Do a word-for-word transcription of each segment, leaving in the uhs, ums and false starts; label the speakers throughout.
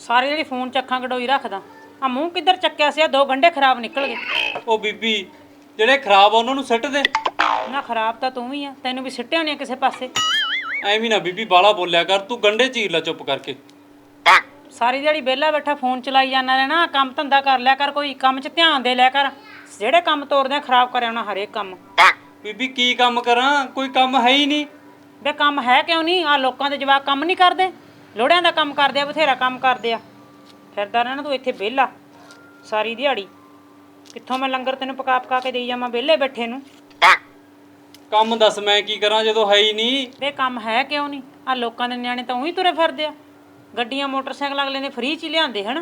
Speaker 1: सारी जी फोन च अखां कटोई रखदा आ मूँह किधर चक्या सी दो गंढे खराब निकल गए।
Speaker 2: ओ बीबी ਜਿਹੜੇ ਖਰਾਬ ਆ ਉਹਨਾਂ ਨੂੰ ਸਿੱਟ ਦੇ।
Speaker 1: ना खराब तो तू ही आ, तैनू भी सिट्टिया नहीं किसी पासे।
Speaker 2: ਐਵੇਂ ਨਾ ਬੀਬੀ ਬਾਲਾ ਬੋਲਿਆ ਕਰ, ਤੂੰ ਗੰਢੇ ਚੀਰ ਲੈ ਚੁੱਪ ਕਰਕੇ।
Speaker 1: सारी दिहाड़ी बेला बैठा फोन चलाई जाना रहना, काम धंधा कर लिया कर, कोई काम च ध्यान दे लिया कर। ਜਿਹੜੇ ਕੰਮ ਤੋਰਦੇ ਖਰਾਬ ਕਰਿਆ ਉਹਨਾਂ ਹਰੇਕ ਕੰਮ।
Speaker 2: ਬੀਬੀ ਕੀ ਕੰਮ ਕਰਾਂ, ਕੋਈ ਕੰਮ ਹੈ ਹੀ ਨਹੀਂ।
Speaker 1: ਵੇ ਕੰਮ ਹੈ ਕਿਉਂ ਨਹੀਂ, ਆ ਲੋਕਾਂ ਦੇ ਜਵਾਕ ਕੰਮ ਨਹੀਂ ਕਰਦੇ, ਲੋੜਿਆਂ ਦਾ ਕੰਮ ਕਰਦੇ ਆ, ਬਥੇਰਾ ਕੰਮ ਕਰਦੇ ਆ। ਫਿਰਦਾ ਰਹਿਣਾ ਤੂੰ ਇੱਥੇ ਵਿਹਲਾ ਸਾਰੀ ਦਿਹਾੜੀ। ਕਿੱਥੋਂ ਮੈਂ ਲੰਗਰ ਤੈਨੂੰ ਪਕਾ ਪਕਾ ਕੇ ਦੇਈ ਜਾਵਾਂ ਵਿਹਲੇ ਬੈਠੇ ਨੂੰ।
Speaker 2: ਕੰਮ ਦੱਸ ਮੈਂ ਕੀ ਕਰਾਂ ਜਦੋਂ ਹੈ ਹੀ ਨਹੀਂ।
Speaker 1: ਵੇ ਕੰਮ ਹੈ ਕਿਉਂ ਨਹੀਂ, ਆ ਲੋਕਾਂ ਦੇ ਨਿਆਣੇ ਤਾਂ ਉਹੀ ਤੁਰੇ ਫਿਰਦੇ ਆ, ਗੱਡੀਆਂ ਮੋਟਰਸਾਈਕਲ ਅਗਲੇ ਨੇ ਫ੍ਰੀ 'ਚ ਹੀ ਲਿਆਂਦੇ ਹਨ।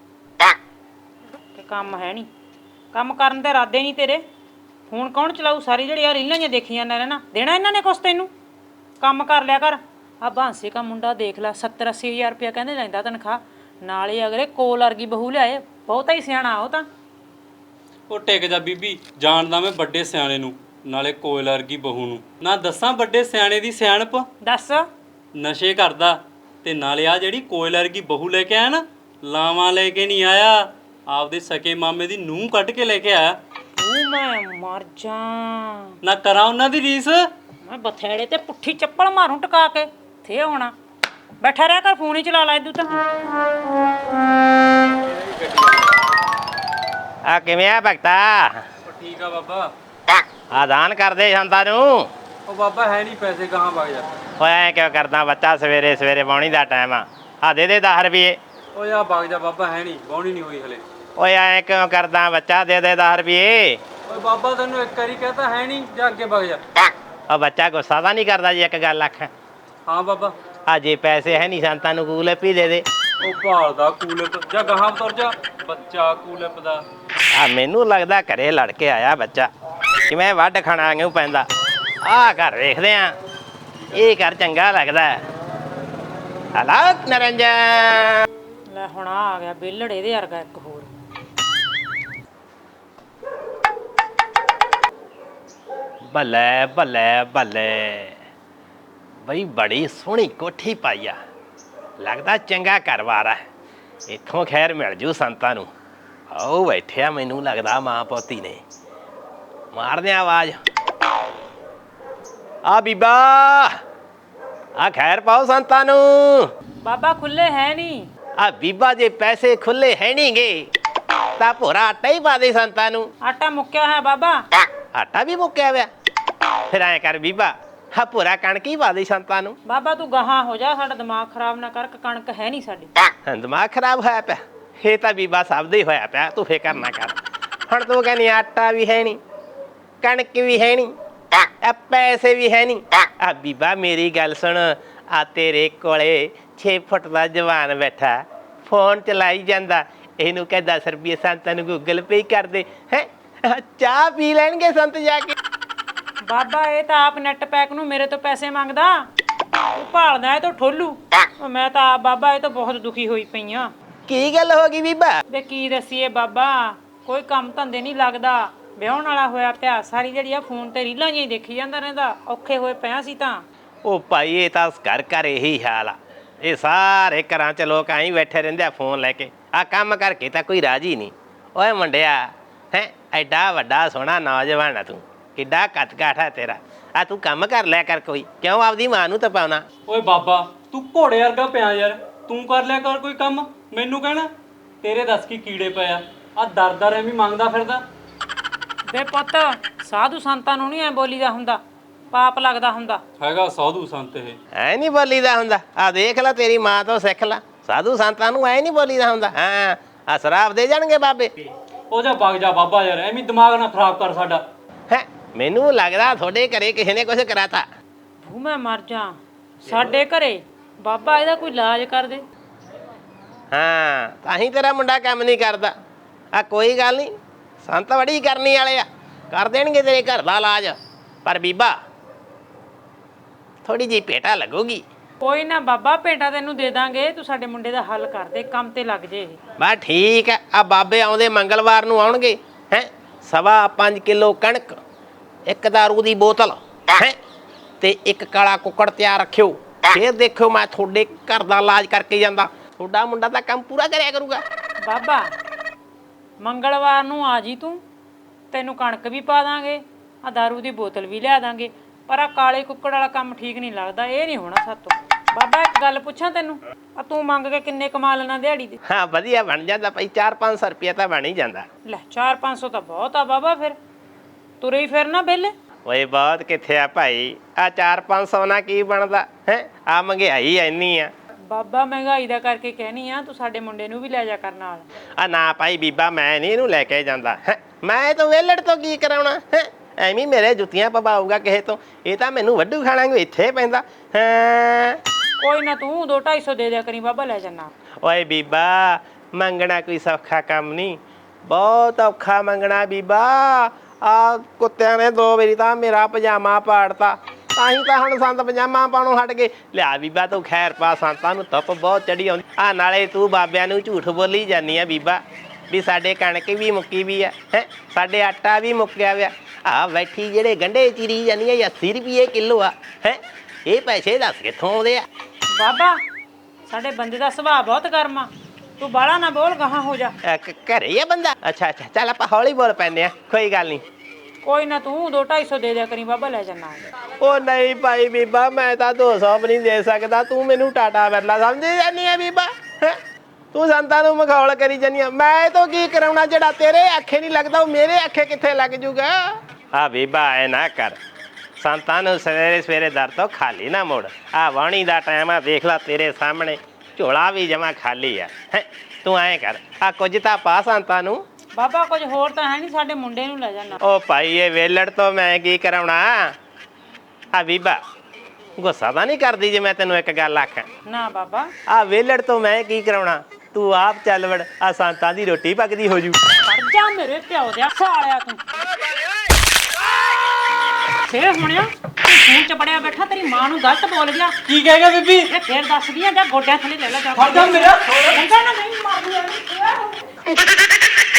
Speaker 1: ਕਿ ਕੰਮ ਹੈ ਨਹੀਂ, ਕੰਮ ਕਰਨ ਦੇ ਇਰਾਦੇ ਨਹੀਂ ਤੇਰੇ। ਹੁਣ ਕੌਣ ਚਲਾਊ ਸਾਰੀ ਜਿਹੜੀ ਆ ਰੀਲਾਂ ਜਿਹੀਆਂ ਦੇਖੀਆਂ ਨਾ ਰਹਿਣਾ, ਦੇਣਾ ਇਹਨਾਂ ਨੇ ਕੁਛ ਤੈਨੂੰ। ਕੰਮ ਕਰ ਲਿਆ ਕਰ। ਆ ਬਾਂਸੇ ਕਾ ਮੁੰਡਾ ਦੇਖ ਲੈ, ਸੱਤਰ ਅੱਸੀ ਹਜ਼ਾਰ ਰੁਪਇਆ ਕਹਿੰਦੇ ਲੈਂਦਾ ਤਨਖਾਹ, ਨਾਲੇ ਅਗਲੇ ਕੋਲ ਵਰਗੀ ਬਹੂ ਲਿਆਏ, ਬਹੁਤਾ ਹੀ ਸਿਆਣਾ ਉਹ ਤਾਂ।
Speaker 2: ਉਹ ਟਿਕ ਜਾ ਬੀਬੀ, ਜਾਣਦਾ ਮੈਂ ਵੱਡੇ ਸਿਆਣੇ ਨੂੰ, ਨਾਲੇ ਕੋਇਲ ਵਰਗੀ ਬਹੂ ਨੂੰ। ਨਾ ਦੱਸਾਂ ਵੱਡੇ ਸਿਆਣੇ ਦੀ ਸਿਆਣਪ।
Speaker 1: ਦੱਸ।
Speaker 2: ਨਸ਼ੇ ਕਰਦਾ ਤੇ ਨਾਲੇ ਆ ਜਿਹੜੀ ਕੋਇਲ ਵਰਗੀ ਬਹੂ ਲੈ ਕੇ ਆਇਆ ਨਾ, ਲਾਵਾਂ ਲੈ ਕੇ ਨਹੀਂ ਆਇਆ, ਆਪਦੇ ਸਕੇ ਮਾਮੇ ਦੀ ਨੂੰਹ ਕੱਢ ਕੇ ਲੈ ਕੇ ਆਇਆ।
Speaker 1: ਤੂੰ ਮੈਂ ਮਰ ਜਾ
Speaker 2: ਨਾ ਕਰਾਂ ਉਹਨਾਂ ਦੀ ਰੀਸ।
Speaker 1: ਮੈਂ ਬਥੇੜੇ ਤੇ ਪੁੱਠੀ ਚੱਪਲ ਮਾਰੂ ਟਕਾ ਕੇ ਥੇ ਹੋਣਾ। ਬੈਠਾ ਰਹਿ ਕਰ, ਫੋਨ ਹੀ ਚਲਾ ਲੈ ਤੂੰ ਤਾਂ।
Speaker 3: ਆ ਕਿਵੇਂ ਆ ਭਗਤਾ?
Speaker 2: ਠੀਕ ਆ ਬਾਬਾ।
Speaker 3: ਆਦਾਨ ਕਰਦੇ ਸੰਤਾਂ ਨੂੰ।
Speaker 2: ਉਹ ਬਾਬਾ ਹੈ ਨਹੀਂ ਪੈਸੇ, ਕਹਾਂ ਵਗ ਜਾ।
Speaker 3: ਓਏ ਐਂ ਕਿਉਂ ਕਰਦਾ ਬੱਚਾ, ਸਵੇਰੇ ਸਵੇਰੇ ਬਾਉਣੀ ਦਾ ਟਾਈਮ ਆ। ਆ ਦੇ ਦੇ ਦਸ ਰੁਪਏ।
Speaker 2: ਓਏ ਆ ਵਗ ਜਾ ਬਾਬਾ, ਹੈ ਨਹੀਂ, ਬਾਉਣੀ ਨਹੀਂ ਹੋਈ ਹਲੇ।
Speaker 3: ਓਏ ਐਂ ਕਿਉਂ ਕਰਦਾ ਬੱਚਾ, ਦੇ ਦੇ ਦਸ ਰੁਪਏ।
Speaker 2: ਓਏ ਬਾਬਾ ਤੈਨੂੰ ਇੱਕ ਵਾਰੀ ਕਹਤਾ ਹੈ ਨਹੀਂ, ਜਾ ਅੱਗੇ ਵਗ ਜਾ।
Speaker 3: ਉਹ ਬੱਚਾ ਗੁੱਸਾ ਤਾਂ ਨਹੀਂ ਕਰਦਾ ਜੀ ਇੱਕ ਗੱਲ ਆਖਾਂ?
Speaker 2: ਹਾਂ ਬਾਬਾ।
Speaker 3: ਆ ਜੇ ਪੈਸੇ ਹੈ ਨਹੀਂ ਸੰਤਾਂ ਨੂੰ ਕੂਲਪ ਹੀ ਦੇ ਦੇ।
Speaker 2: ਉਹ ਭਾਲਦਾ ਕੂਲਪ, ਜਾ ਗਾਹਾਂ ਤੁਰ ਜਾ, ਬੱਚਾ ਕੂਲਪ ਦਾ।
Speaker 3: ਆ ਮੈਨੂੰ ਲੱਗਦਾ ਘਰੇ ਲੜ ਕੇ ਆਇਆ ਬੱਚਾ, ਕਿਵੇਂ ਵੱਢ ਖਾਣਾ ਵਾਂਗੂ ਪੈਂਦਾ। ਆ ਘਰ ਵੇਖਦੇ ਆ, ਇਹ ਘਰ ਚੰਗਾ ਲੱਗਦਾ। ਹਲਾਕ ਨਰੰਜਨ
Speaker 1: ਲੈ ਹੁਣ ਆ ਗਿਆ ਬੇਲੜ ਇਹਦੇ ਵਰਗਾ ਇੱਕ ਹੋਰ।
Speaker 3: ਬੱਲੇ ਬੱਲੇ ਬੱਲੇ ਬਈ, ਬੜੀ ਸੋਹਣੀ ਕੋਠੀ ਪਾਈ ਆ, ਲੱਗਦਾ ਚੰਗਾ ਘਰ-ਬਾਰ ਆ। ਇੱਥੋਂ ਖੈਰ ਮਿਲ ਜੂ ਸੰਤਾਂ ਨੂੰ। ਆਓ ਬੈਠਿਆ, ਮੈਨੂੰ ਲੱਗਦਾ ਮਾਂ ਪੋਤੀ ਨੇ। ਮਾਰਦੇ ਆ ਆਵਾਜ਼। ਆ ਬੀਬਾ, ਆ ਖੈਰ ਪਾਓ ਸੰਤਾਂ ਨੂੰ।
Speaker 1: ਬਾਬਾ ਖੁੱਲੇ ਹੈ ਨਹੀਂ।
Speaker 3: ਆ ਬੀਬਾ ਜੇ ਪੈਸੇ ਖੁੱਲੇ ਹੈ ਨਹੀਂਗੇ ਤਾਂ ਭੋਰਾ ਆਟਾ ਹੀ ਪਾ ਦੇ ਸੰਤਾਂ ਨੂੰ।
Speaker 1: ਆਟਾ ਮੁੱਕਿਆ ਹੈ ਬਾਬਾ।
Speaker 3: ਆਟਾ ਵੀ ਮੁੱਕਿਆ ਹੋਇਆ? ਫਿਰ ਐਂ ਕਰ ਬੀਬਾ, ਹਾਂ ਭੋਰਾ ਕਣਕ ਹੀ ਪਾ ਦੇ ਸੰਤਾਂ ਨੂੰ।
Speaker 1: ਬਾਬਾ ਤੂੰ ਗਾਹਾਂ ਹੋ ਜਾ, ਸਾਡਾ ਦਿਮਾਗ ਖਰਾਬ ਨਾ ਕਰ, ਕਣਕ ਹੈ ਨਹੀਂ ਸਾਡੀ।
Speaker 3: ਦਿਮਾਗ ਖਰਾਬ ਹੋਇਆ ਪਿਆ? ਇਹ ਤਾਂ ਬੀਬਾ ਸਭ ਦਾ ਹੀ ਹੋਇਆ ਪਿਆ, ਤੂੰ ਫਿਕਰ ਨਾ ਕਰ। ਹੁਣ ਤੂੰ ਕਹਿੰਦੀ ਆਟਾ ਵੀ ਹੈ ਨਹੀਂ, ਕਣਕ ਵੀ ਹੈ ਨਹੀਂ, ਆ ਪੈਸੇ ਵੀ ਹੈ ਨਹੀਂ। ਆ ਬੀਬਾ ਮੇਰੀ ਗੱਲ ਸੁਣ, ਆ ਤੇਰੇ ਕੋਲੇ ਛੇ ਫੁੱਟ ਦਾ ਜਵਾਨ ਬੈਠਾ, ਫੋਨ ਚਲਾਈ ਜਾਂਦਾ, ਇਹਨੂੰ ਕਹਿ ਦਸ ਰੁਪਏ ਸੰਤਾਂ ਨੂੰ ਗੂਗਲ ਪੇ ਕਰ ਦੇ। ਹੈ ਚਾਹ ਪੀ ਲੈਣਗੇ ਸੰਤ ਜਾ ਕੇ।
Speaker 1: ਬਾਬਾ ਇਹ ਤਾਂ ਆਪ ਨੈਟ ਪੈਕ ਨੂੰ ਮੇਰੇ ਤੋਂ ਪੈਸੇ ਮੰਗਦਾ, ਤੂੰ ਭਾਲਦਾ ਇਹ ਤੋਂ ਠੋਲੂ। ਮੈਂ ਤਾਂ ਆਪ ਬਾਬਾ ਇਹ ਤਾਂ ਬਹੁਤ ਦੁਖੀ ਹੋਈ ਪਈ ਆ।
Speaker 3: ਕੀ ਗੱਲ ਹੋ ਗਈ ਬੀਬਾ?
Speaker 1: ਵੇ ਕੀ ਦੱਸੀਏ ਬਾਬਾ, ਕੋਈ ਕੰਮ ਧੰਦੇ ਨਹੀਂ ਲੱਗਦਾ, ਵਿਆਹਣ ਵਾਲਾ ਹੋਇਆ ਪਿਆ, ਸਾਰੀ ਜਿਹੜੀ ਆ ਫੋਨ ਤੇ ਰੀਲਾਂ ਜਿਹੀਆਂ ਦੇਖੀ ਜਾਂਦਾ ਰਹਿੰਦਾ, ਔਖੇ ਹੋਏ ਪਿਆ ਸੀ ਤਾਂ।
Speaker 3: ਉਹ ਭਾਈ ਇਹ ਤਾਂ ਘਰ ਘਰ ਇਹੀ ਹਾਲ ਆ, ਇਹ ਸਾਰੇ ਘਰਾਂ 'ਚ ਲੋਕ ਆਈ ਬੈਠੇ ਰਹਿੰਦੇ ਆ ਫੋਨ ਲੈ ਕੇ। ਆ ਕੰਮ ਕਰਕੇ ਤਾਂ ਕੋਈ ਰਾਜੀ ਨਹੀਂ। ਓਏ ਮੁੰਡਿਆ, ਹੈ ਐਡਾ ਵੱਡਾ ਸੋਹਣਾ ਨੌਜਵਾਨ ਆ ਤੂੰ, ਕਿੱਡਾ ਕੱਦ ਕਾਠ ਆ ਤੇਰਾ। ਆ ਤੂੰ ਕੰਮ ਕਰ ਲਿਆ ਕਰ ਕੋਈ, ਕਿਉਂ ਆਪਦੀ ਮਾਂ ਨੂੰ ਤਪਾਉਣਾ?
Speaker 2: ਓਏ ਬਾਬਾ ਤੂੰ ਘੋੜੇ ਵਰਗਾ ਪਿਆ ਯਾਰ, ਤੂੰ ਕਰ ਲਿਆ ਕਰ ਕੋਈ ਕੰਮ, ਮੈਨੂੰ ਕਹਿਣਾ। ਤੇਰੇ ਦੱਸ ਕੀ ਕੀੜੇ ਪਏ ਆ, ਆ ਦਰ ਦਰ ਐਵੇਂ ਮੰਗਦਾ ਫਿਰਦਾ।
Speaker 1: ਵੇ ਪੁੱਤ ਸਾਧੂ ਸੰਤਾਂ ਨੂੰ ਨਹੀਂ ਐ ਬੋਲੀਦਾ ਹੁੰਦਾ, ਪਾਪ ਲੱਗਦਾ ਹੁੰਦਾ।
Speaker 2: ਹੈਗਾ ਸਾਧੂ ਸੰਤ ਇਹ।
Speaker 3: ਐ ਨਹੀਂ ਬੋਲੀਦਾ ਹੁੰਦਾ। ਆ ਦੇਖ ਲੈ, ਤੇਰੀ ਮਾਂ ਤੋਂ ਸਿੱਖ ਲੈ, ਸਾਧੂ ਸੰਤਾਂ ਨੂੰ ਐ ਨਹੀਂ ਬੋਲੀਦਾ ਹੁੰਦਾ। ਹਾਂ ਆ ਸ਼ਰਾਬ ਦੇ ਜਾਣਗੇ ਬਾਬੇ।
Speaker 2: ਉਹ ਜਾ ਵਗ ਜਾ ਬਾਬਾ ਯਾਰ, ਐਵੇਂ ਦਿਮਾਗ ਨਾ ਖਰਾਬ ਕਰ ਸਾਡਾ।
Speaker 3: ਹੈ ਮੈਨੂੰ ਲੱਗਦਾ ਤੁਹਾਡੇ ਘਰੇ ਕਿਸੇ ਨੇ ਕੁਛ ਕਰਾਤਾ।
Speaker 1: ਭੂ ਮੈਂ ਮਰ ਜਾ, ਸਾਡੇ ਘਰੇ ਬਾਬਾ ਇਹਦਾ ਕੋਈ ਇਲਾਜ ਕਰ ਦੇ।
Speaker 3: ਹਾਂ ਤਾਂ ਹੀ ਤੇਰਾ ਮੁੰਡਾ ਕੰਮ ਨਹੀਂ ਕਰਦਾ। ਆ ਕੋਈ ਗੱਲ ਨਹੀਂ, ਸੰਤ ਬੜੀ ਕਰਨੀ ਵਾਲੇ ਆ, ਕਰ ਦੇਣਗੇ ਤੇਰੇ ਘਰ ਦਾ ਇਲਾਜ। ਪਰ ਬੀਬਾ ਥੋੜੀ ਜਿਹੀ ਭੇਟਾ ਲੱਗੂਗੀ।
Speaker 1: ਕੋਈ ਨਾ ਬਾਬਾ, ਭੇਟਾ ਤੈਨੂੰ ਦੇ ਦਾਂਗੇ, ਤੂੰ ਸਾਡੇ ਮੁੰਡੇ ਦਾ ਹੱਲ ਕਰ ਦੇ, ਕੰਮ ਤੇ ਲੱਗ ਜੇ।
Speaker 3: ਬਸ ਠੀਕ ਹੈ। ਆ ਬਾਬੇ ਆਉਂਦੇ ਮੰਗਲਵਾਰ ਨੂੰ ਆਉਣਗੇ। ਹੈ ਸਵਾ ਪੰਜ ਕਿਲੋ ਕਣਕ, ਇੱਕ ਦਾਰੂ ਦੀ ਬੋਤਲ, ਹੈ ਤੇ ਇੱਕ ਕਾਲਾ ਕੁੱਕੜ ਤਿਆਰ ਰੱਖਿਓ। ਫਿਰ ਦੇਖਿਓ ਮੈਂ ਤੁਹਾਡੇ ਘਰ ਦਾ ਇਲਾਜ ਕਰਕੇ ਜਾਂਦਾ। ਤੁਹਾਡਾ ਮੁੰਡਾ ਤਾਂ ਕੰਮ ਪੂਰਾ ਕਰਿਆ ਕਰੂਗਾ।
Speaker 1: ਬਾਬਾ ਮੰਗਲਵਾਰ ਨੂੰ ਆ ਜੀ ਤੂੰ, ਤੈਨੂੰ ਕਣਕ ਵੀ ਪਾ ਦਾਂਗੇ, ਆ ਦਾਰੂ ਦੀ ਬੋਤਲ ਵੀ ਲਿਆ ਦਾਂਗੇ, ਪਰ ਆ ਕਾਲੇ ਕੁੱਕੜ ਵਾਲਾ ਕੰਮ ਠੀਕ ਨਹੀਂ ਲੱਗਦਾ, ਇਹ ਨਹੀਂ ਹੋਣਾ ਸਾਤੋਂ। ਬਾਬਾ ਇੱਕ ਗੱਲ ਪੁੱਛਾਂ ਤੈਨੂੰ, ਆ ਤੂੰ ਮੰਗ ਕੇ ਕਿੰਨੇ ਕਮਾ ਲੈਣਾ ਦਿਹਾੜੀ ਦੇ?
Speaker 3: ਹਾਂ ਵਧੀਆ ਬਣ ਜਾਂਦਾ ਭਾਈ, ਚਾਰ ਪੰਜ ਸੌ ਰੁਪਇਆ ਤਾਂ ਬਣ ਹੀ ਜਾਂਦਾ।
Speaker 1: ਲੈ ਚਾਰ ਪੰਜ ਸੌ ਤਾਂ ਬਹੁਤ ਆ ਬਾਬਾ, ਫਿਰ ਤੁਰੇ ਹੀ ਫਿਰਨਾ ਵਿਹਲੇ।
Speaker 3: ਓਏ ਬਹੁਤ ਕਿੱਥੇ ਆ ਭਾਈ, ਆ ਚਾਰ ਪੰਜ ਸੌ ਨਾਲ ਕੀ ਬਣਦਾ ਹੈ, ਆ ਮਹਿੰਗਾਈ ਐਨੀ ਆ।
Speaker 1: ਬਾਬਾ ਮਹਿੰਗਾਈ ਦਾ ਕਰਕੇ ਕਹਿਨੀ ਆ, ਤੂੰ ਸਾਡੇ ਮੁੰਡੇ ਨੂੰ ਵੀ ਲੈ ਜਾ ਕਰ ਨਾਲ।
Speaker 3: ਆ ਨਾ ਭਾਈ ਬੀਬਾ, ਮੈਂ ਨਹੀਂ ਇਹਨੂੰ ਲੈ ਕੇ ਜਾਂਦਾ ਹੈਂ। ਮੈਂ ਤਾਂ ਵੇਲੜ ਤੋਂ ਕੀ ਕਰਾਉਣਾ ਹੈ, ਐਵੇਂ ਮੇਰੇ ਜੁੱਤੀਆਂ ਪਵਾਊਗਾ ਕਿਸੇ ਤੋਂ, ਇਹ ਤਾਂ ਮੈਨੂੰ ਵੱਡੂ ਖਾਣਾ ਨੂੰ ਇੱਥੇ ਪੈਂਦਾ ਹੈ।
Speaker 1: ਕੋਈ ਨਾ ਤੂੰ ਦੋ ਢਾਈ ਸੌ ਦੇ ਦਿਆ ਕਰੀ ਬਾਬਾ, ਲੈ ਜਾਣਾ।
Speaker 3: ਓਏ ਬੀਬਾ ਮੰਗਣਾ ਕੋਈ ਸੌਖਾ ਕੰਮ ਨਹੀਂ, ਬਹੁਤ ਔਖਾ ਮੰਗਣਾ ਬੀਬਾ। ਆ ਕੁੱਤਿਆਂ ਨੇ ਦੋ ਵਾਰੀ ਤਾਂ ਮੇਰਾ ਪਜਾਮਾ ਪਾੜਤਾ, ਤਾਂ ਹੀ ਤਾਂ ਹੁਣ ਸੰਤ ਪਜਾਮਾ ਪਾਉਣੋਂ ਹਟ ਗਏ। ਲਿਆ ਬੀਬਾ ਤੂੰ ਖੈਰ ਪਾ, ਸੰਤਾਂ ਨੂੰ ਧੁੱਪ ਬਹੁਤ ਚੜੀ ਆਉਂਦੀ ਆ। ਨਾਲੇ ਤੂੰ ਬਾਬਿਆਂ ਨੂੰ ਝੂਠ ਬੋਲੀ ਜਾਂਦੀ ਆ ਬੀਬਾ, ਵੀ ਸਾਡੇ ਕਣਕ ਵੀ ਮੁੱਕੀ ਵੀ ਆ ਹੈ, ਸਾਡੇ ਆਟਾ ਵੀ ਮੁੱਕਿਆ ਵਿਆ। ਆ ਬੈਠੀ ਜਿਹੜੇ ਗੰਢੇ ਚੀਰੀ ਜਾਂਦੀ ਆ ਅੱਸੀ ਰੁਪਏ ਕਿਲੋ ਆ ਹੈ, ਇਹ ਪੈਸੇ ਦੱਸ ਕਿੱਥੋਂ ਆਉਂਦੇ ਆ?
Speaker 1: ਬਾਬਾ ਸਾਡੇ ਬੰਦੇ ਦਾ ਸੁਭਾਅ ਬਹੁਤ ਗਰਮ ਆ, ਤੂੰ ਬਾਹਲਾ ਨਾ ਬੋਲ, ਗਾਹਾਂ ਹੋ ਜਾ।
Speaker 3: ਅ, ਕ- ਘਰੇ ਹੀ ਆ ਬੰਦਾ? ਅੱਛਾ ਅੱਛਾ ਚੱਲ ਆਪਾਂ ਹੌਲੀ ਬੋਲ ਪੈਂਦੇ ਆ, ਕੋਈ ਗੱਲ ਨਹੀਂ।
Speaker 1: ਕੋਈ ਨਾ ਤੂੰ ਦੋ ਢਾਈ ਸੌ ਦੇ ਦਿਆ ਕਰੀ ਬਾਬਾ, ਲੈ ਜਾਣਾ।
Speaker 3: ਉਹ ਨਹੀਂ ਭਾਈ ਬੀਬਾ, ਮੈਂ ਤਾਂ ਦੋ ਸੌ ਵੀ ਨਹੀਂ ਦੇ ਸਕਦਾ, ਤੂੰ ਮੈਨੂੰ ਟਾਟਾ ਬਿਰਲਾ ਸਮਝੀ ਜਾਂਦੀ ਆ ਬੀਬਾ ਹੈਂ? ਤੂੰ ਸੰਤਾਂ ਨੂੰ ਮਖੌਲ ਕਰੀ ਜਾਂਦੀ ਆ, ਮੈਂ ਤਾਂ ਕੀ ਕਰਾਉਣਾ, ਜਿਹੜਾ ਤੇਰੇ ਅੱਖੇ ਨਹੀਂ ਲੱਗਦਾ ਉਹ ਮੇਰੇ ਅੱਖੇ ਕਿੱਥੇ ਲੱਗ ਜੂਗਾ? ਆ ਬੀਬਾ ਐ ਨਾ ਕਰ, ਸੰਤਾਂ ਨੂੰ ਸਵੇਰੇ ਸਵੇਰੇ ਦਰ ਤੋਂ ਖਾਲੀ ਨਾ ਮੋੜ। ਆ ਵਾਣੀ ਦਾ ਟਾਈਮ ਆ, ਦੇਖ ਲੈ ਤੇਰੇ ਸਾਹਮਣੇ ਝੋਲਾ ਵੀ ਜਮਾ ਖਾਲੀ ਆ ਹੈਂ। ਤੂੰ ਐਂ ਕਰ, ਆ ਕੁਝ ਤਾਂ ਪਾ ਸੰਤਾਂ ਨੂੰ।
Speaker 1: ਬਾਬਾ ਕੁਝ ਹੋਰ ਤਾਂ ਹੈ ਨਹੀਂ, ਸਾਡੇ ਮੁੰਡੇ ਨੂੰ ਲੈ ਜਾਣਾ।
Speaker 3: ਉਹ ਭਾਈ ਇਹ ਵੇਲੜ ਤੋਂ ਮੈਂ ਕੀ ਕਰਾਉਣਾ? ਆ ਬੀਬਾ ਗੁੱਸਾ ਤਾਂ ਨਹੀਂ ਕਰਦੀ ਜੇ ਮੈਂ ਤੈਨੂੰ ਇੱਕ ਗੱਲ ਆਖਾਂ?
Speaker 1: ਨਾ ਬਾਬਾ।
Speaker 3: ਆ ਵੇਲੜ ਤੋਂ ਮੈਂ ਕੀ ਕਰਾਉਣਾ, ਤੂੰ ਆਪ ਚੱਲ ਵੜ, ਆ ਸੰਤਾਂ ਦੀ ਰੋਟੀ ਪੱਕਦੀ ਹੋ ਜੂ।
Speaker 1: ਖੜ ਜਾ ਮੇਰੇ ਪਿਓ ਦੇ ਸਾਲਿਆ ਤੂੰ। ਫੇਰ ਹੁਣਿਆ ਤੂੰ ਫੋਨ ਚ ਬੜਿਆ ਬੈਠਾ, ਤੇਰੀ ਮਾਂ ਨੂੰ ਗਲਤ ਬੋਲ ਗਿਆ।
Speaker 2: ਕੀ ਕਹੇਗਾ ਬੀਬੀ?
Speaker 1: ਇਹ ਫੇਰ ਦੱਸਦੀ ਆ, ਜਾਂ ਗੋਡਿਆਂ ਥੱਲੇ ਲੈ ਲੈ ਜਾ।
Speaker 2: ਖੜ ਜਾ ਮੇਰਾ।
Speaker 1: ਕਹਿੰਦਾ ਨਾ ਨਹੀਂ ਮਾਰ ਦੂੰ।